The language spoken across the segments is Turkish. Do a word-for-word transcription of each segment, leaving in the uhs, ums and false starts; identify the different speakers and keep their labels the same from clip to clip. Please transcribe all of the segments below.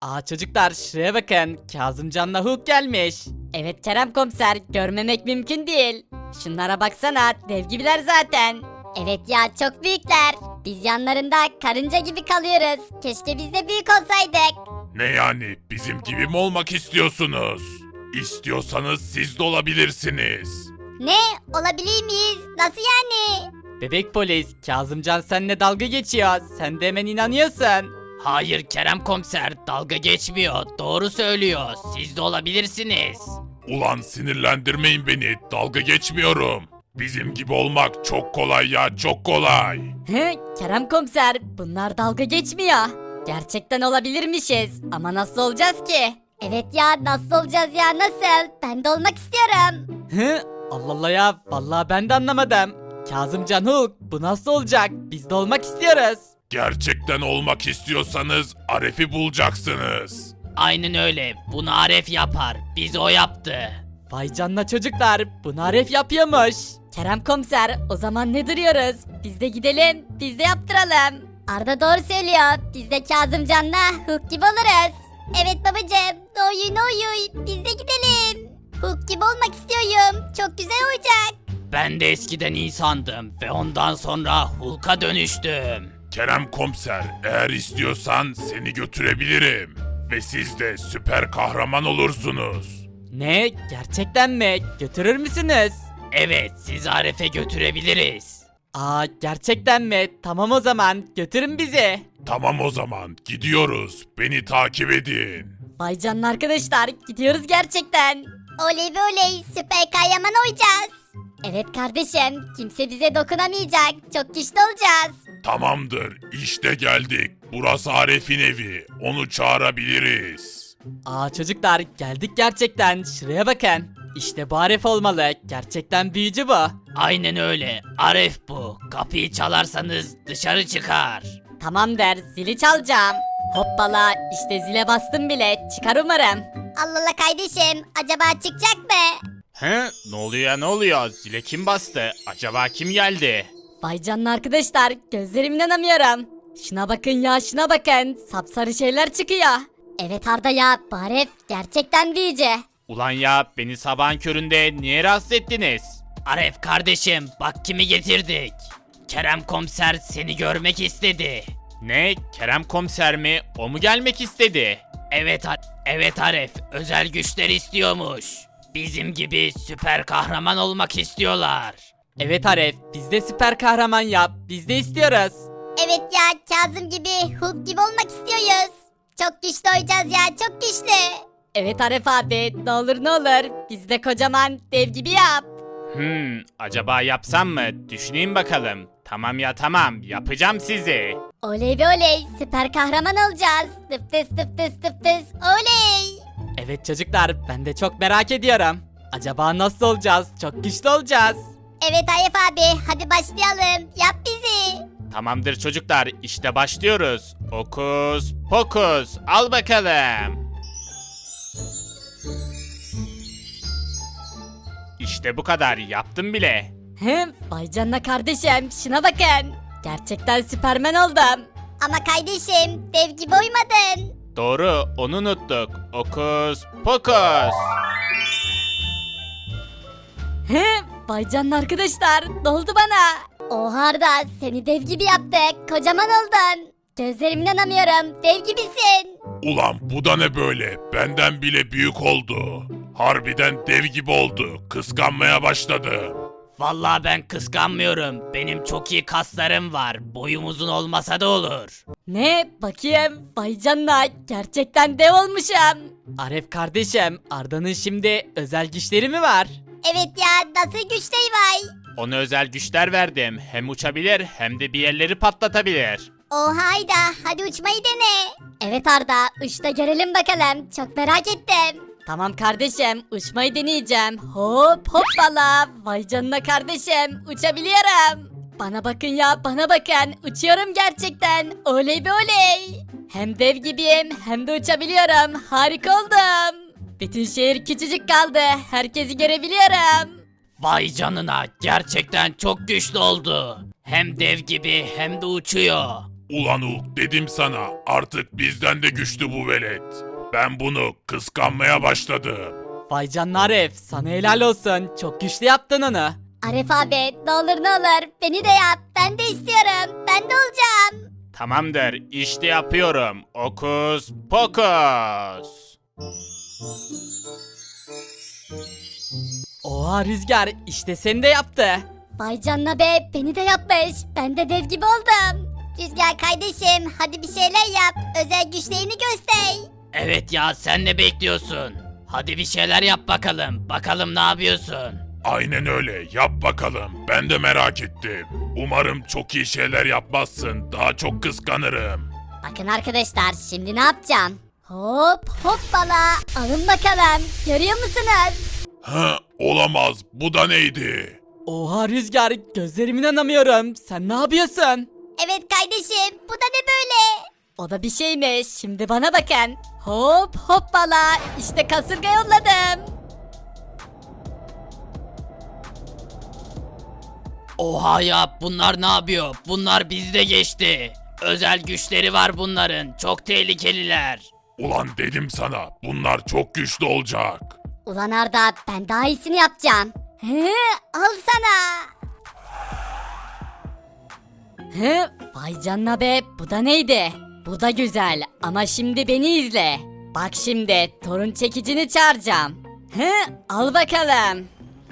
Speaker 1: Aa çocuklar şuraya bakın. Kazımcan'la Hulk gelmiş.
Speaker 2: Evet Kerem komiser, görmemek mümkün değil. Şunlara baksana, dev gibiler zaten. Evet ya, çok büyükler. Biz yanlarında karınca gibi kalıyoruz. Keşke biz de büyük olsaydık.
Speaker 3: Ne yani bizim gibi mi olmak istiyorsunuz? İstiyorsanız siz de olabilirsiniz.
Speaker 2: Ne? Olabilir miyiz? Nasıl yani?
Speaker 1: Bebek polis, Kazımcan seninle dalga geçiyor. Sen de hemen inanıyorsun.
Speaker 4: Hayır Kerem komiser, dalga geçmiyor. Doğru söylüyor. Siz de olabilirsiniz.
Speaker 3: Ulan sinirlendirmeyin beni, dalga geçmiyorum. Bizim gibi olmak çok kolay ya, çok kolay.
Speaker 2: He, Kerem komiser, bunlar dalga geçmiyor. Gerçekten olabilirmişiz ama nasıl olacağız ki? Evet ya, nasıl olacağız ya, nasıl? Ben de olmak istiyorum.
Speaker 1: Hı? Allah Allah ya. Vallahi ben de anlamadım. Kazımcan Hulk bu nasıl olacak? Biz de olmak istiyoruz.
Speaker 3: Gerçekten olmak istiyorsanız Aref'i bulacaksınız.
Speaker 4: Aynen öyle. Bunu Aref yapar. Biz o yaptı.
Speaker 1: Vay canına çocuklar. Bunu Aref yapıyormuş.
Speaker 2: Kerem komiser, o zaman ne duruyoruz? Biz de gidelim, biz de yaptıralım. Arda doğru söylüyor. Biz de Kazımcan'la Hulk gibi oluruz. Evet babacığım, doğuyu doğuyu, biz de gidelim. Hulk gibi olmak istiyorum. Çok güzel olacak.
Speaker 4: Ben de eskiden insandım ve ondan sonra Hulk'a dönüştüm.
Speaker 3: Kerem komiser, eğer istiyorsan seni götürebilirim. Ve siz de süper kahraman olursunuz.
Speaker 1: Ne? Gerçekten mi? Götürür müsünüz?
Speaker 4: Evet, sizi Aref'e götürebiliriz.
Speaker 1: Aa gerçekten mi? Tamam o zaman götürün bizi.
Speaker 3: Tamam o zaman, gidiyoruz. Beni takip edin.
Speaker 2: Vay canına arkadaşlar, gidiyoruz gerçekten. Oley be oley, süper kahraman olacağız. Evet kardeşim, kimse bize dokunamayacak. Çok güçlü olacağız.
Speaker 3: Tamamdır, işte geldik. Burası Aref'in evi. Onu çağırabiliriz.
Speaker 1: Aa çocuklar geldik gerçekten. Şuraya bakın. İşte bu Aref olmalı. Gerçekten büyücü bu.
Speaker 4: Aynen öyle. Aref bu. Kapıyı çalarsanız dışarı çıkar.
Speaker 2: Tamam der, zili çalacağım. Hoppala, işte zile bastım bile. Çıkar umarım. Allah Allah kardeşim, acaba çıkacak mı?
Speaker 5: He? Ne oluyor ya, ne oluyor? Zile kim bastı? Acaba kim geldi?
Speaker 2: Vay canına arkadaşlar, gözlerime inanamıyorum. Şuna bakın ya, şuna bakın. Sapsarı şeyler çıkıyor. Evet Arda ya, bu Aref gerçekten büyücü.
Speaker 5: Ulan ya, beni sabahın köründe niye rahatsız ettiniz?
Speaker 4: Aref kardeşim, bak kimi getirdik. Kerem komiser seni görmek istedi.
Speaker 5: Ne? Kerem komiser mi? O mu gelmek istedi?
Speaker 4: Evet, Ar- evet Aref, özel güçler istiyormuş. Bizim gibi süper kahraman olmak istiyorlar.
Speaker 1: Evet Aref biz de süper kahraman yap. Biz de istiyoruz.
Speaker 2: Evet ya, Kazım gibi, Hulk gibi olmak istiyoruz. Çok güçlü olacağız ya, çok güçlü. Evet Aref abi, ne olur ne olur, biz de kocaman dev gibi yap.
Speaker 5: Hmm, acaba yapsam mı? Düşüneyim bakalım. Tamam ya, tamam, yapacağım sizi.
Speaker 2: Oley be oley, süper kahraman olacağız. Tıp tıs tıp tıs tıp tıs, oley.
Speaker 1: Evet çocuklar ben de çok merak ediyorum. Acaba nasıl olacağız? Çok güçlü olacağız.
Speaker 2: Evet Aref abi, hadi başlayalım, yap bizi.
Speaker 5: Tamamdır çocuklar, işte başlıyoruz. Okus pokus, al bakalım. İşte bu kadar, yaptım bile.
Speaker 2: Hem vay canına kardeşim, şuna bakın. Gerçekten süpermen oldum. Ama kardeşim, dev gibi uymadın.
Speaker 5: Doğru, onu unuttuk. Okus pokus.
Speaker 2: He, vay canına arkadaşlar, ne oldu bana? Oha Arda, seni dev gibi yaptık, kocaman oldun. Gözlerime inanamıyorum, dev gibisin.
Speaker 3: Ulan bu da ne böyle? Benden bile büyük oldu. Harbiden dev gibi oldu. Kıskanmaya başladı.
Speaker 4: Vallahi ben kıskanmıyorum. Benim çok iyi kaslarım var. Boyum uzun olmasa da olur.
Speaker 2: Ne, bakayım, vay canına, gerçekten dev olmuşum.
Speaker 1: Aref kardeşim Arda'nın şimdi özel güçleri mi var?
Speaker 2: Evet ya, nasıl güçleri var?
Speaker 5: Ona özel güçler verdim. Hem uçabilir hem de bir yerleri patlatabilir.
Speaker 2: Oha Ayda, hadi uçmayı dene. Evet Arda, uç da görelim bakalım, çok merak ettim. Tamam kardeşim, uçmayı deneyeceğim. Hop hoppala, vay canına kardeşim, uçabiliyorum. Bana bakın ya, bana bakın, uçuyorum gerçekten, oley be oley. Hem dev gibiyim, hem de uçabiliyorum, harika oldum. Bütün şehir küçücük kaldı, herkesi görebiliyorum.
Speaker 4: Vay canına, gerçekten çok güçlü oldu. Hem dev gibi hem de uçuyor.
Speaker 3: Ulan Hulk dedim sana artık bizden de güçlü bu velet. Ben bunu kıskanmaya başladım.
Speaker 1: Vay canına Arif, sana helal olsun. Çok güçlü yaptın onu.
Speaker 2: Arif abi ne olur ne olur beni de yap. Ben de istiyorum. Ben de olacağım.
Speaker 5: Tamamdır, işte yapıyorum. Okus pokus.
Speaker 1: Oha Rüzgar, işte seni de yaptı.
Speaker 2: Vay canına be beni de yapmış. Ben de dev gibi oldum. Rüzgar kardeşim hadi bir şeyler yap. Özel güçlerini göster.
Speaker 4: Evet ya, sen ne bekliyorsun? Hadi bir şeyler yap bakalım. Bakalım ne yapıyorsun?
Speaker 3: Aynen öyle yap bakalım. Ben de merak ettim. Umarım çok iyi şeyler yapmazsın. Daha çok kıskanırım.
Speaker 2: Bakın arkadaşlar şimdi ne yapacağım? Hop hoppala alın bakalım. Görüyor musunuz?
Speaker 3: Ha, olamaz. Bu da neydi?
Speaker 1: Oha Rüzgar, gözlerime inanamıyorum. Sen ne yapıyorsun?
Speaker 2: Evet kardeşim bu da ne böyle? O da bir şeymiş. Şimdi bana bakın. Hop hoppala işte kasırga yolladım.
Speaker 4: Oha ya, bunlar ne yapıyor? Bunlar bizde geçti. Özel güçleri var bunların. Çok tehlikeliler.
Speaker 3: Ulan dedim sana bunlar çok güçlü olacak.
Speaker 2: Ulan Arda ben daha iyisini yapacağım. Hı, al sana. Hı, vay canına be bu da neydi? Bu da güzel ama şimdi beni izle. Bak şimdi torun çekicini çağıracağım. Hı, al bakalım.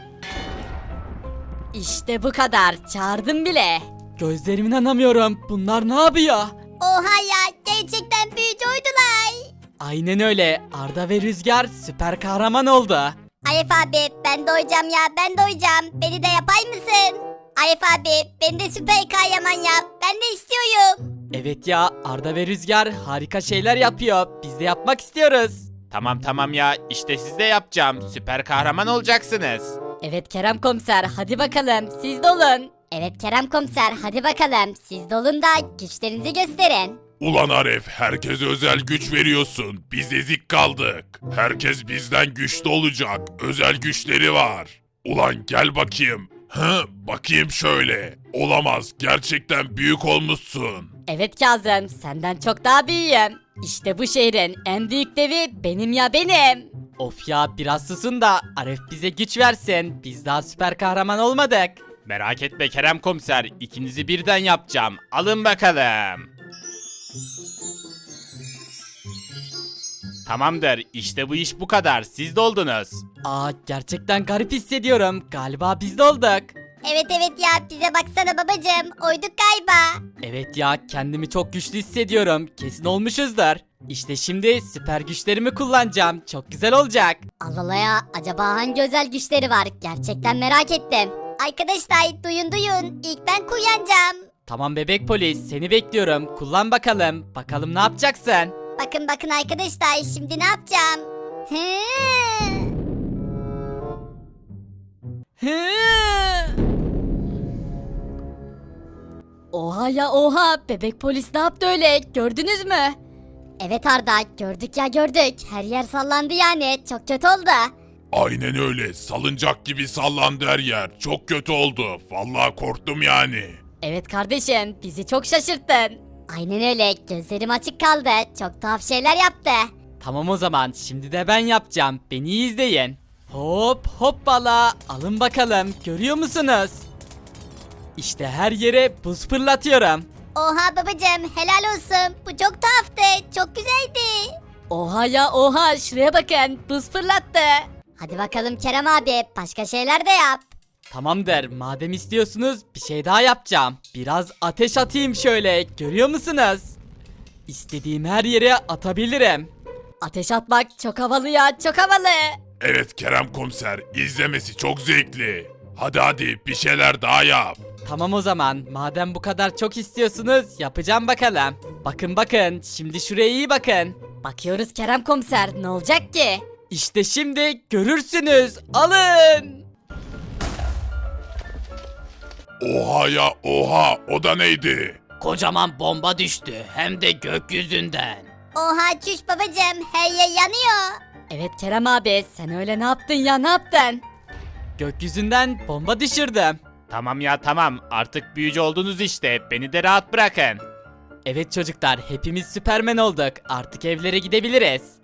Speaker 2: İşte bu kadar çağırdım bile.
Speaker 1: Gözlerime inanamıyorum. Bunlar ne yapıyor?
Speaker 2: Oha ya gerçekten büyücü oydular.
Speaker 1: Aynen öyle. Arda ve Rüzgar süper kahraman oldu.
Speaker 2: Arif abi ben doyacağım ya ben doyacağım. Beni de yapay mısın? Arif abi beni de süper kahraman yap. Ben de istiyorum.
Speaker 1: Evet ya, Arda ve Rüzgar harika şeyler yapıyor. Biz de yapmak istiyoruz.
Speaker 5: Tamam tamam ya, işte siz de yapacağım. Süper kahraman olacaksınız.
Speaker 2: Evet Kerem komiser hadi bakalım siz de olun. Evet Kerem komiser hadi bakalım siz de olun da güçlerinizi gösterin.
Speaker 3: Ulan Aref herkese özel güç veriyorsun. Biz ezik kaldık. Herkes bizden güçlü olacak. Özel güçleri var. Ulan gel bakayım. Hı, bakayım şöyle. Olamaz. Gerçekten büyük olmuşsun.
Speaker 2: Evet Kazım senden çok daha büyüğüm. İşte bu şehrin en büyük devi benim ya benim.
Speaker 1: Of ya, biraz susun da Arif bize güç versin. Biz daha süper kahraman olmadık.
Speaker 5: Merak etme Kerem komiser, ikinizi birden yapacağım. Alın bakalım. Tamamdır, işte bu iş bu kadar. Siz de oldunuz.
Speaker 1: Aa, gerçekten garip hissediyorum. Galiba biz de olduk.
Speaker 2: Evet evet ya bize baksana babacığım oyduk galiba.
Speaker 1: Evet ya, kendimi çok güçlü hissediyorum. Kesin olmuşuzdur. İşte şimdi süper güçlerimi kullanacağım. Çok güzel olacak.
Speaker 2: Allah Allah ya acaba hangi özel güçleri var gerçekten merak ettim. Arkadaşlar duyun duyun ilk ben kullanacağım.
Speaker 1: Tamam bebek polis, seni bekliyorum. Kullan bakalım. Bakalım ne yapacaksın?
Speaker 2: Bakın bakın arkadaşlar şimdi ne yapacağım? Hı.
Speaker 1: Hı.
Speaker 2: Oha ya oha bebek polis ne yaptı öyle gördünüz mü? Evet Arda gördük ya gördük her yer sallandı yani çok kötü oldu.
Speaker 3: Aynen öyle. Salıncak gibi sallandı her yer. Çok kötü oldu. Vallahi korktum yani.
Speaker 2: Evet kardeşim bizi çok şaşırttın. Aynen öyle gözlerim açık kaldı çok tuhaf şeyler yaptı.
Speaker 1: Tamam o zaman, şimdi de ben yapacağım. Beni iyi izleyin. Hop hoppala. Alın bakalım. Görüyor musunuz? İşte her yere buz fırlatıyorum.
Speaker 2: Oha babacığım helal olsun bu çok tuhaftı çok güzeldi. Oha ya oha şuraya bakın buz fırlattı. Hadi bakalım Kerem abi başka şeyler de yap.
Speaker 1: Tamamdır. Madem istiyorsunuz bir şey daha yapacağım. Biraz ateş atayım şöyle. Görüyor musunuz? İstediğim her yere atabilirim.
Speaker 2: Ateş atmak çok havalı ya çok havalı.
Speaker 3: Evet Kerem komiser. İzlemesi çok zevkli. Hadi hadi bir şeyler daha yap.
Speaker 1: Tamam o zaman. Madem bu kadar çok istiyorsunuz, yapacağım bakalım. Bakın bakın. Şimdi şuraya iyi bakın.
Speaker 2: Bakıyoruz Kerem komiser ne olacak ki?
Speaker 1: İşte şimdi görürsünüz. Alın.
Speaker 3: Oha ya oha. O da neydi?
Speaker 4: Kocaman bomba düştü. Hem de gökyüzünden.
Speaker 2: Oha çüş babacığım her yer yanıyor. Evet Kerem abi sen öyle ne yaptın ya ne yaptın?
Speaker 1: Gökyüzünden bomba düşürdüm.
Speaker 5: Tamam ya tamam, artık büyücü oldunuz işte. Beni de rahat bırakın.
Speaker 1: Evet çocuklar hepimiz Süpermen olduk. Artık evlere gidebiliriz.